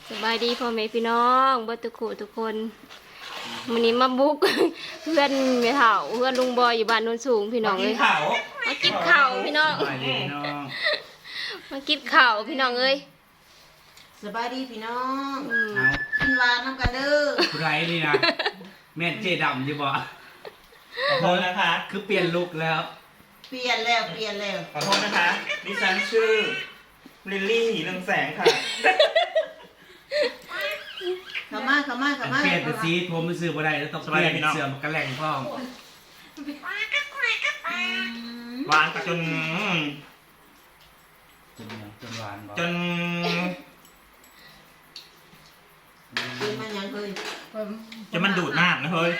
สบายดีพ่อแม่พี่น้องเบิดทุกคู่ทุกคนวันนี้มาบุก เพื่อนแม่เฒ่าเพื่อนลุงบอยอยู่บ้านโนนสูงพี่น้องเลยมากินข้าวพี่น้องสบายดีพี่น้องมากินข้าวพี่น้องเอ้ยสบายดีพี่น้องเอากินหวานน้ำกันเด้อผู้ไรนี่นะแม่นเจดำอยู่บ่ขอโทษนะคะคือเปลี่ยนลุคแล้วเปลี่ยนแล้วขอโทษนะคะ ดิฉันชื่อลิลลี่เรืองแสงค่ะเข้ามาเปลี่ยนแต่สีผมมันซื้อบ่ได้แล้วต้องเปลี่ยนเสื้อมากระแหล่งพ่อมหวานกับจนจนหวานบ่จนกินมันยังเคยจนมันดูดน้ำนะเฮ้ย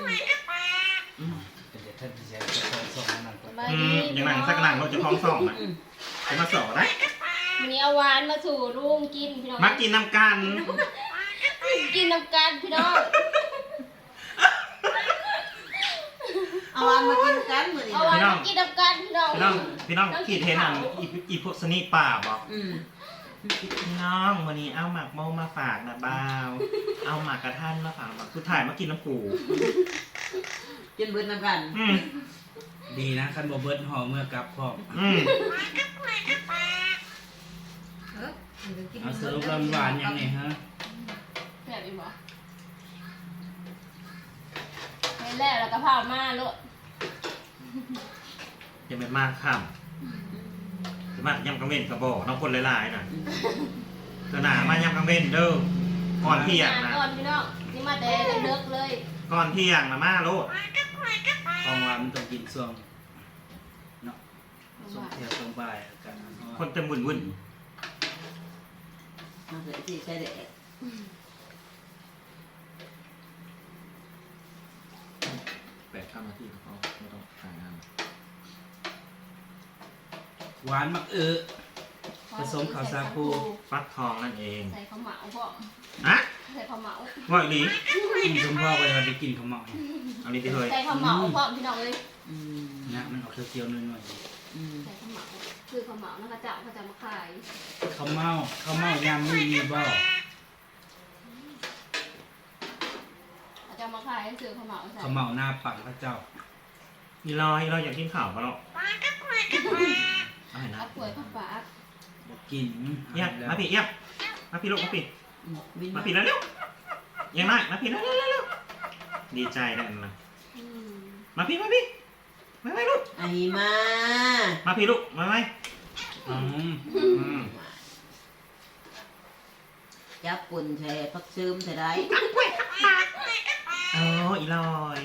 เป็นเด็กท่านที่ใช้ส่งนั่นก่อนสบายอืดีมอย่างนั้นสักหนังเราจะพ้องส่องนะจะมาสอนนะวันนี้เอาหวานมาสู่ลุงกินพี่น้องมากินน้ำกันกินน้ำกันพี่น้องเอาหวานมากินกันมื้อนี้เอาหวานมากินน้ำกันพี่น้องพี่น้องขีดเทนอันอีพวกสนีป่าบอกอืมพี่น้องวันนี้เอาหมากโมมาฝากนะบ่าว เอาหมากกระทันมาฝากสุดท้ายมากินน้ำกูกินเบิดน้ำกันอืมดีนะคันบ่เบิดห่อเมื่อกลับพ่อมอืมเอาสรุปแล้วหวานยังไงฮะแบบนี้บ่ไปแล้วก็พามาโลดยังไม่มากข้ามจะมากยำกังเว้นกระบอกน้องคนหลายๆน่ะเกิดหนามายำกังเว้นเด้อก่อนเที่ยงนะก่อนพี่น้องนี่มาแต่เลิกเลยก่อนเที่ยงนะมาโลดของหวานมันต้องกินช่วงเนาะช่วงเที่ยงช่วงบ่ายอากาศร้อนคนเต็มวุ่นวุ่นมาเลยสิใช่เด็ก 8 นาทีเขาไม่ต้องถ่ายงานหวานมักผสมข้าวสาคูฟักทองนั่นเองใส่ข้าวเหมาพ่ออะใส่ข้าวเหมาว่าอีหลีกินชมพ่อไปวันได้กินข้าวเหมาเอานี้ที่เฮ้ยใส่ข้าวเหมาพ่อพี่น้องเลยอืมนะมันออกเคี้ยวๆหน่อยอืมใส่ข้าวเหมาคือข้าวเหมานะคะเจ้าเขาจะมาขายๆข้าวเมายำไม่มีบ่เขาจะมาขายให้ซื้อข้าวเหมาใส่ข้าวเมาหน้าปังพระเจ้าอีลอยอยากกินข่าวเขาหรอกเอาให้นะอัดป่วยข้าวฝาบอกกินเยี่ยมมาพี่เยี่ยมมาพี่ลูกมาพี่อืมวินมาพี่แล้วเร็วยังไงมาพี่แล้วเร็วดีใจได้นะอืมมาพี่มาลูกไอ้มามาพี่ลูกมาไหมอืมอืมจับปุ่นใช่พักซึมใช่ได้เอออีลอย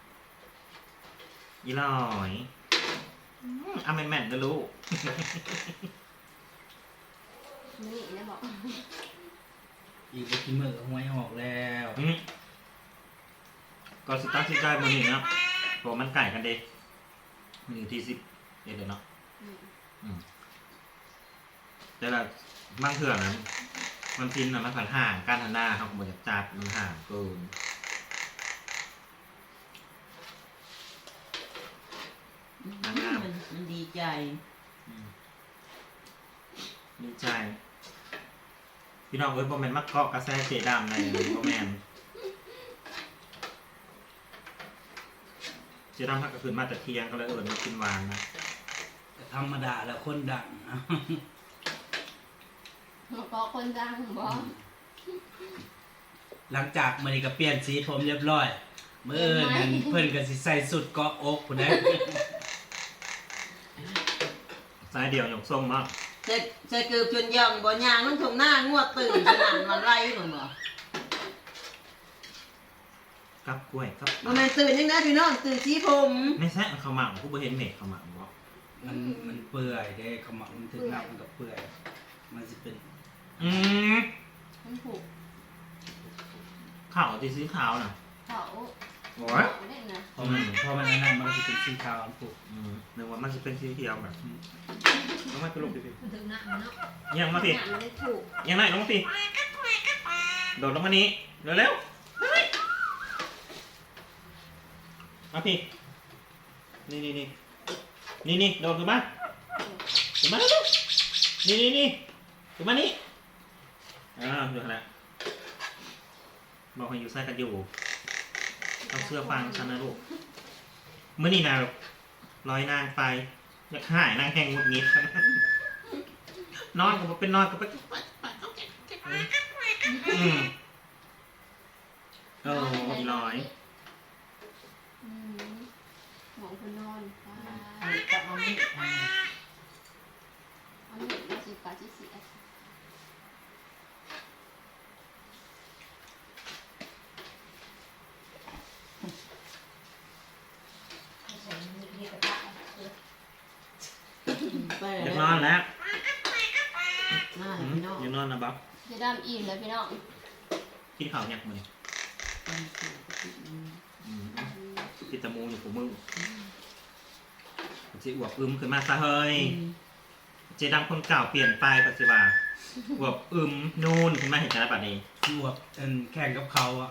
เอาแม่นๆนะลูกนี่นะบอกอีกไปกินมื้อหวยออกแล้วก็สตาร์ทที่ได้มือหนึ่งนะบอกมันไก่กันเด็ก1 ที่ 10เดี๋ยวเนาะแต่ละบางเถื่อนะมันพินนะมันผ่านห่างการทันหน้าเขาบริจัดมันห่างเกินมันดีใจดีใจพี่น้องเอ้ยโมเมนต์มักเกาะกระแสเจดามในโมเมนเจดามพักก็คืนมาแต่เที่ยงก็เลยมากินหวานนะธรรมดาแล้วคนดังก็คนดังบอกหลังจากมื้อนี้ก็เปลี่ยนสีผมเรียบร้อยมื้ออื่นนั้นเพิ่นก็สิใส่สุดเกาะอกพุ่นเด้สายเดี่ยวหยกส้มมากใส่เกือบจนย่องบ่ยางมันถงหน้างวดตื่นขนาดมันไรหนูบ่กับกล้วยกับบ่แม่นตื่นยังไงพี่น้องตื่นสีผมไม่ใช่เขาหมักกูไปเห็นเม็ดเขาหมักบอกมันเปื่อยเด้ขาวเหมามันถึงน้ำมันก็เปื่อยมันสิเป็นอืมมันผูกข่าวตีสีขาวน่ะเขาโอ้ยเล่นนะพอมันอันนั้นมันก็สิเป็นสีขาวอันผูกนึกว่ามันจะเป็นสีเขียวแบบต้องมาไปลงดิพี่ถึงหนักเนาะยังมาพี่หนักมันได้ถูกยังไงลงมาพี่โดดลงมานี้เร็วมาพี่นี่โดดขึ้นมาเร็วนี่ขึ้นมานี่อยู่ขนาดบอกให้อยู่ใส่กันอยู่ต้องเชื่อฟังฉันนะลูกเมื่อนี่นะลอยนางไปอยากหายนางแห้งหงุดหงิดนอนก็บ่เป็นนอนก็ไปโอ้ยลอยหมองคนนอนป้ากับเอามีดเอาหนึ่งมาสิปาจิเสียไปอยากแล้วนอนแล้วน่าจะพี่น้องอยากนอนนะบ๊อบจะดำอิ่มแล้วพี่น้องกินข้าวเนี่ยมึงกินตะมูอยู่กับมึงจะอวบอึมขึ้นมาซะเฮ้ยเจดังคนเก่าเปลี่ยนไปปัจจุบันอวบอึมนูนขึ้นมาเห็นกันแล้วป่ะนี้ที่ว่าแข่งกับเขาอ่ะ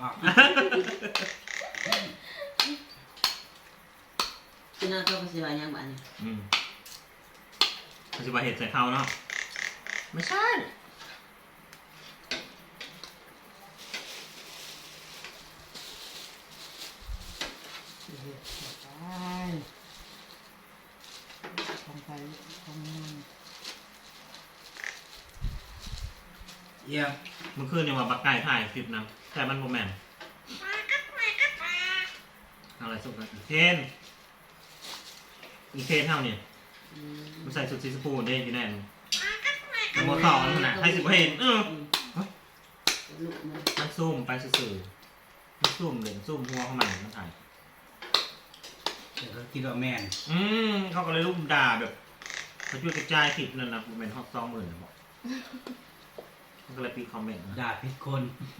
พี่น้องก็ภาษีว่ายังบ้านนี่ปัจจุบันเห็นใส่เขาเนาะไม่ใช่ของไปของมันเยี่ยมเมื่อคืนเนี่ยว่าบักไก่ถ่ายคลิปนะแต่มันโมแมนอะไรสุดกันอีเคนเท่าเนี่ยมันใส่สุดซีสปูนเด้อยู่แน่นมันโมต่อมันขนาดให้สิบเห็นลูกมันมันซูมไปสื่อๆมันซูมเลยซูมหัวเข้ามามันถ่ายเดี๋ยวก็คิดว่าแม่นเขาก็เลยรุมด่าแบบเขาช่วยกระจายคลิปนั่นนะโมเมนต์ฮอต20,000นะบอกมันก็เลยปีคอมเมนต์นะด่าผิดคน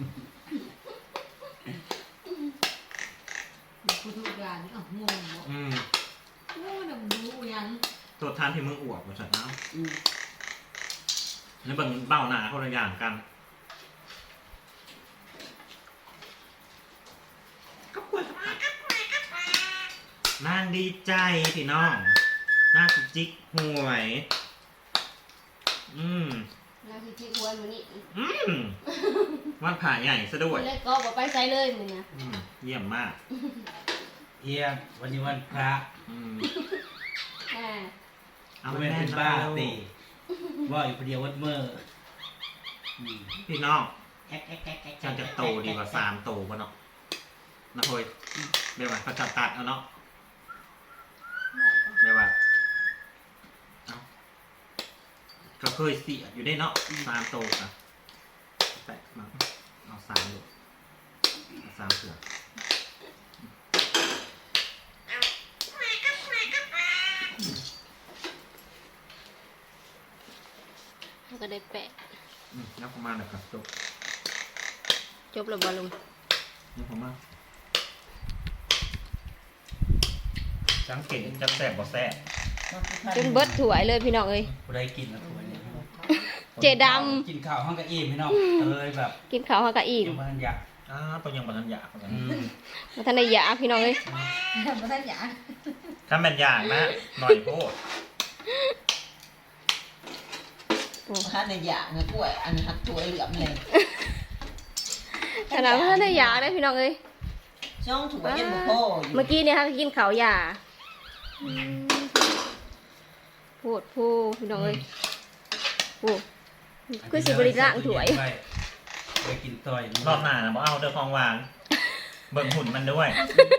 ผู้ทุกอย่างนี่งงบ่โอ้ดำดูยังตัวทานที่มึงอวดมาสัตว์น้ำแล้วเบิ่งเบ้าหนาคนละอย่างกันนางดีใจพี่น้องนางจิกหวยน้ำที่ที่ควรมื้อนี้วันผ่าใหญ่ซะด้วยมื้อแรกก็บ่ไปไสเลยมื้อนี้เยี่ยมมากเยี่ยมวันนี้วันพระเอาเอาไปเป็นแน่นบ้านะตีว่าอยู่คนเดียววัดเมื่อพี่น้องฉันจะโตดีกว่า3โตป่ะเนาะนะเฮ้ยเดี๋ยวว่าเขาจับตัดเอาเนาะเดี๋ยวว่าเอาก็เคยเสียอยู่ได้เนาะ3โตอ่ะแต่มาเอา3ดูเอา3เสือแล้วก็ได้แปะนับประมาณนะครับจบจบแล้วบ่ลุงนับประมาณสังเกตจะแสบบ่แสบจนเบิดถ้วยเลยพี่น้องเอ้ยผู้ใดกินแล้วตัวเนี่ยเจดำกินข้าวห้องกะอิ่มพี่น้องเลยแบบกินข้าวเฮาก็อิ่มยังมันอยากตัวยังบันอยากเหมือนกันบ่ทันได้ยาพี่น้องเอ้ยบ่ทันอยากถ้าแม่นอยากนะหน่อยโพดบ่ทันได้อยากนะกล้วยอันหักตัวเหลือมเลยขนาดบ่ทันได้ยาเลยพี่น้องเอ้ยช่องถูกยังบ่พออยู่เมื่อกี้เนี่ยค่ะกินข้าวยาพูดพี่น้องเอ้ยพูดคือสิบริล่างถ้วยไปกินต่อยรอบหน้านะบ่เอาเด้อของหวานเบิ่งหุ่นมันด้วย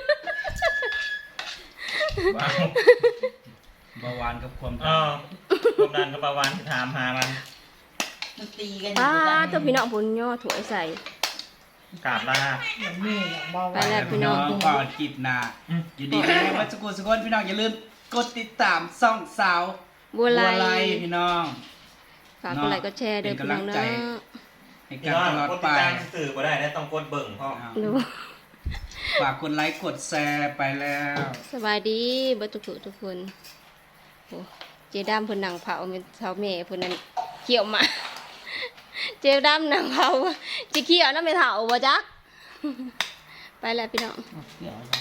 ว้าวเบาหวานกับความความดันกับเบาหวานที่ถามหามันมันตีกันป้าตัวพี่น้องพุ่นย่อถ้วยใส่กราบลาไปแล้วพี่น้องก่อนกินนาอยู่ดีวัดสกุลสกุลพี่น้องอย่าลืมกดติดตามซ่องสาวบัวลายพี่น้องฝากกดไลค์กดแชร์เด้อพี่น้องเนาะให้พี่กันน้องตลอดกดไปติดตามสื่อบ่ได้นะต้องกดเบิ่งพ่อดูฝากกดไลค์กดแชร์ไปแล้วสบายดีเบ่ทุกคนโอ้เจดำเพิ่นนั่งเผาเป็นเฒ่าแม่เพิ่นนั่นเขี่ยวหมาเจดำนั่งเผาสิเขี่ยวน้ำไม่เฒ่าบ่จ๊ะไปแล้วพี่น้องเดี๋ยว